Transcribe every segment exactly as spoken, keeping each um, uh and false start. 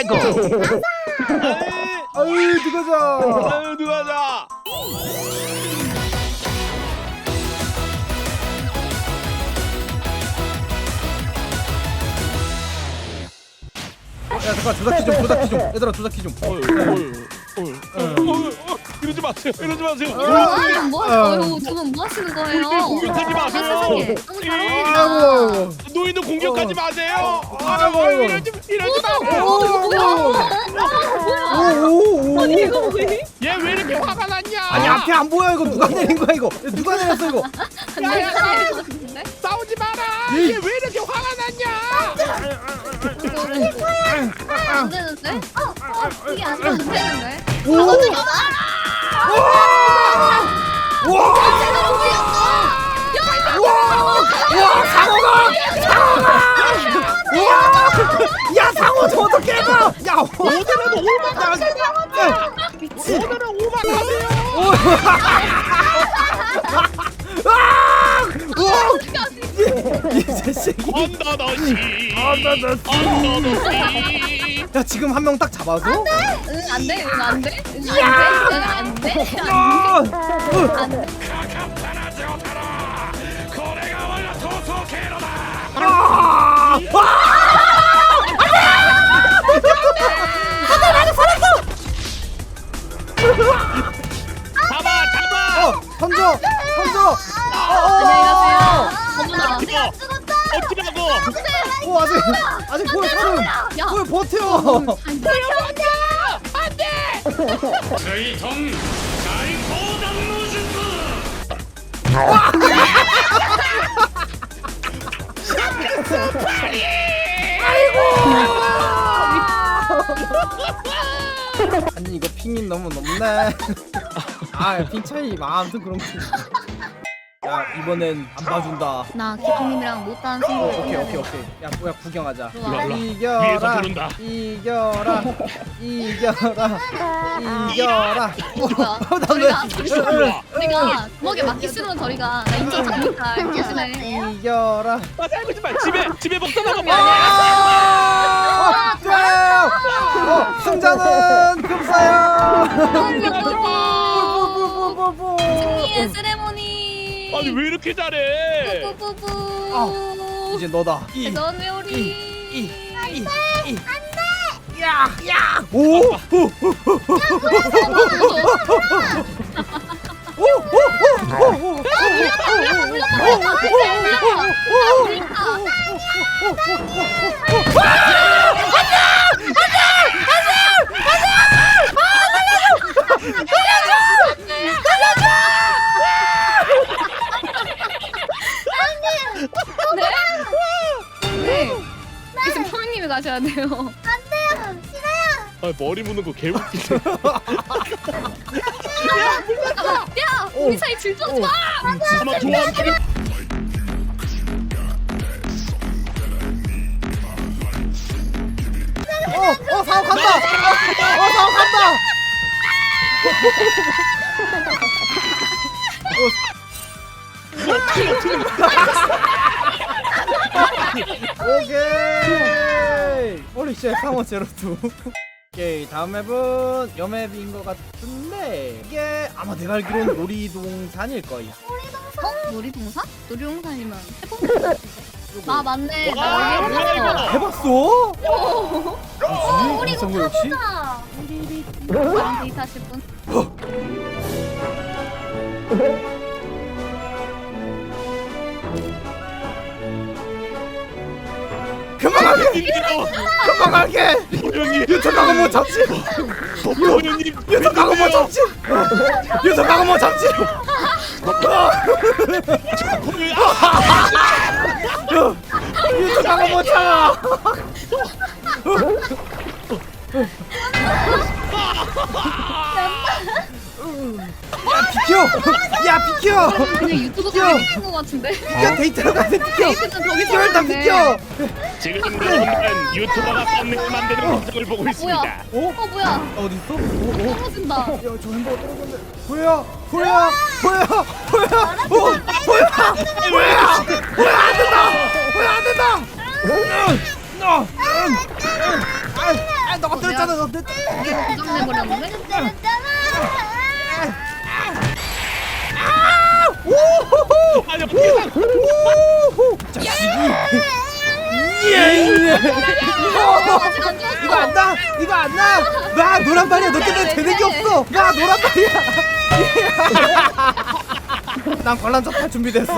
아이고. 아유 누가자. 아유 누가자. 야 잠깐 조작기 좀 조작기 좀 얘들아 조작기 좀. 어휴 어휴 어휴 어휴 이러지 마세요 이러지 마세요. 어, 뭐 하세요? 저는 뭐 하시는 거예요? 공격하지 마세요. 세상에. 너무 잘 아이고. 어울린다. 노인은 공격하지 마세요. 아이고. 아유 이러지 이러지 마세요. 어, 이거 뭐야? 오오오. 아니 이거 뭐야? 얘 왜 이렇게 화가 났냐? 아니 앞에 안 보여 이거 누가 내린 거야 이거? 누가 내렸어 이거? 야야 같은데? 싸우지 마라. 예. 얘 왜 이렇게 화가 났냐? 안 되는데? 어, 어, 이게 안 되는데? 오. 와. 와 상어가 상어가. 와. 야 상어 저도 깨봐. 야 오늘은 오만 하세요. 미친. 오늘은 오만 하세요. 이 자식이. 언더더시. 언더더시. 언더더시. 야 지금 한 명 딱 잡아서. 응, 안 돼, 응, 안 돼, 응, 안 돼, 응, 안 돼, 아! 안 돼. 아! 잡아 잡아. 어 던져 던져. 안녕히 가세요. 어머나. 내가 죽었다. 어찌라고? 오 아직 아직 보여 사람. 야. 보여 버텨. 아니 이거 핑이 너무 높네. 아핑 차이 아무튼 그런 거. 야 이번엔 안 봐준다. 나 기동님이랑 못한 어, 승부. 오케이 오케이 오케이. 야 뭐야 구경하자. 일로 와. 위에서 이겨라 부른다. 이겨라 이겨라 이겨라. 뭐야? 어, 나 저리가. 왜- 우리가 주먹에 맞기 싫으면 저리가. 나 인정 잡니까? 조심해. 이겨라. 아 살고 말 집에 집에 먹다 나가 봐. 아! 어, 네! 어, 승자는 금사야. 뽀뽀뽀뽀뽀뽀. 승리의 세레모니. 아니 왜 이렇게 잘해? 뿌뿌뿌뿌. 아, 이제 너다. 이, 대전 회오리. 이, 이, 이. 안돼. 야, 야. 오, 오, 오, 오, 오. 네. 지금 성님이 가셔야 돼요. 아 머리 무는 거 개웃기네. 야, 우리 사이 질투하지 마. 아마 좋아하는. 어, 어, 상어 간다. 어, 상어 간다. 오케이. 홀리 쉣 상어 제로투. 오케이 다음 맵은 여맵인 것 같은데 이게 아마 내가 알기로는 놀이동산일 거야. 어? 놀이동산? 놀이동산이면 해보면. 아 맞네. 와, 나 뭐야, 놀이 이거? 해봤어. 해봤어? 어, 뭐지? 이상거 역시? 나랑 데이트하실 분? 그만 가게! 그만 가게! 도련님, 유튜브 가고 뭐 잡지! 도련님, 유튜브 가고 뭐 잡지! 유튜브 가고 뭐 잡지! 유튜브 가고 뭐 참아! 야 비켜! 야 비켜! 그냥 유튜브 비켜! 찍는 거 같은데? 비켜 데이트로 가세 비켜! 데이트는 저기 비켜 일단 비켜! 지금 여러분은 유튜버가 썸네일 만드는 영상을 보고 있습니다. 뭐야? 어? 어 뭐야? 어디 있어? 어? 어? 떨어진다. 야저 햄버거 떨어졌네. 보여 보여 보여 보여 어 보여 보여 보여 안 된다 보여 안 된다. 아, 너가 때렸잖아. 너 때. 고장내버렸는데? 오호호. 아니 어떻게 나 오호. 자식이. 예. 아직 안 죽었어. 이거 안 나. 이거 안 나. 나 노란 발이야. 너 때문에 되는 게 없어. 나 노란 발이야. 난 관람자 준비됐어.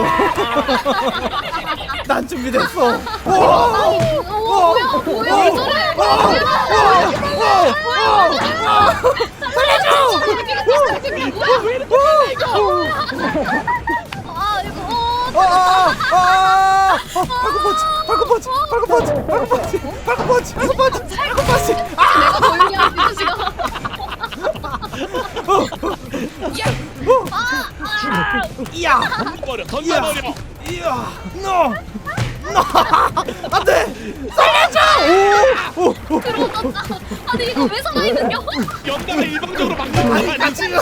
난 준비됐어. 오! 어, 뭐야? 뭐야? 왜 저래? 아, 이거 어, 아! 발굽 펀치! 발굽 펀치! 발굽 펀치! 발굽 펀치! 발굽 펀치! 발굽 펀치! 발굽 펀치! 내가 걸리야 지금. 이야! 던져버려 던져버려. 이야! 너! 너! 안 돼! 살려줘! 오! 오! 오! 들어오셨다. 아니 이거 왜 살아있는겨? 연가가 일방적으로 막는 거 아니, 아니야? 나 지금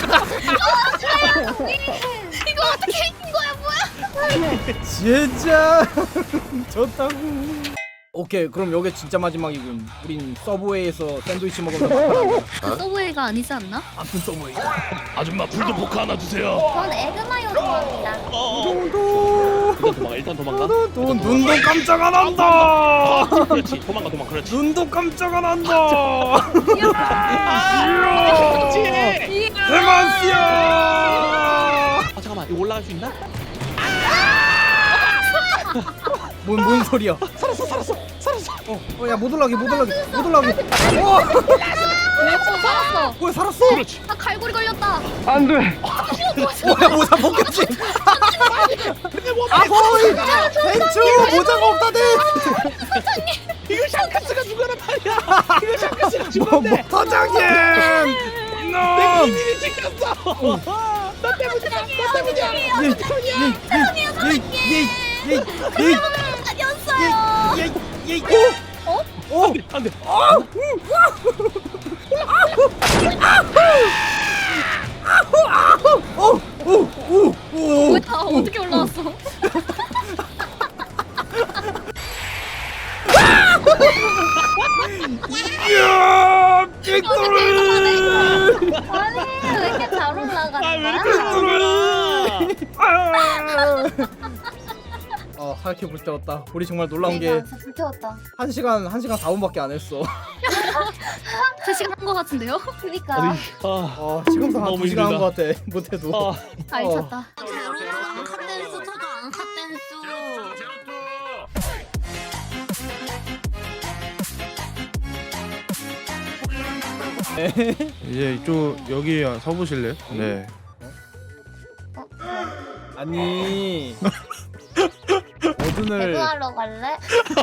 이거 어떻게 이긴 거야 뭐야? 진짜 좋다고. 오케이, 그럼 요게 진짜 마지막이군. 우린 서브웨이에서 샌드위치 먹으면 막판한다. 서브웨이가 아니지 않나? 아픈 서브웨이. 아줌마 불도 포크 하나 주세요. 전 에그마요 좋아합니다. 어. 일단 도망가 일단 도망가. 돈 눈도 깜짝 안 한다. 그렇지 도망가 도망가 그렇지. 눈도 깜짝 안 한다. 그렇지. 대만씨야. 아 잠깐만 이거 올라갈 수 있나? 뭔, 뭔 소리야? 살았어 살았어 살았어. 어, 어, 야, 못 올라가게, 못 올라가게, 못 올라가게. 어, 오 살았어. 왜 살았어? 그렇지. 나 갈고리 걸렸다. 안 돼. 어, 야, 모자 벗겼지. 아, 보이. 벤츠 모자가 없다네. 이거 샹크스가 죽어라 말이야. 이거 샹크스가 뭐, 죽었네. 뭐, 사장님. 내 너. 기질이 찍혔어. 나 때문이야. 나 때문이야. 예, 예, 예, 예, 예, 아니었어요. 예, 예, 예. 오, 오, 안돼 안돼. 오, 오, 오, 오. 뭐야? 어떻게 올라왔어? 이야, 빅토리. 아니 왜 이렇게 잘 올라가는 아왜 거야? 이렇게 올라? 아, 하얗게 불태웠다. 우리 정말 놀라운 게 대박, 진짜 불태웠다. 한 시간 한 시간 사 분밖에 안 했어. 세 시간 한 거 같은데요? 그니까. 아니 아. 어, 지금도 한 너무 두 시간 한 힘들다. 것 같아. 못해도. 아. 다 잊혔다. 앙카댄스 저도 앙카댄스. 이제 이쪽 여기 서보실래요? 네. 아니 어둠을 배그하러 갈래?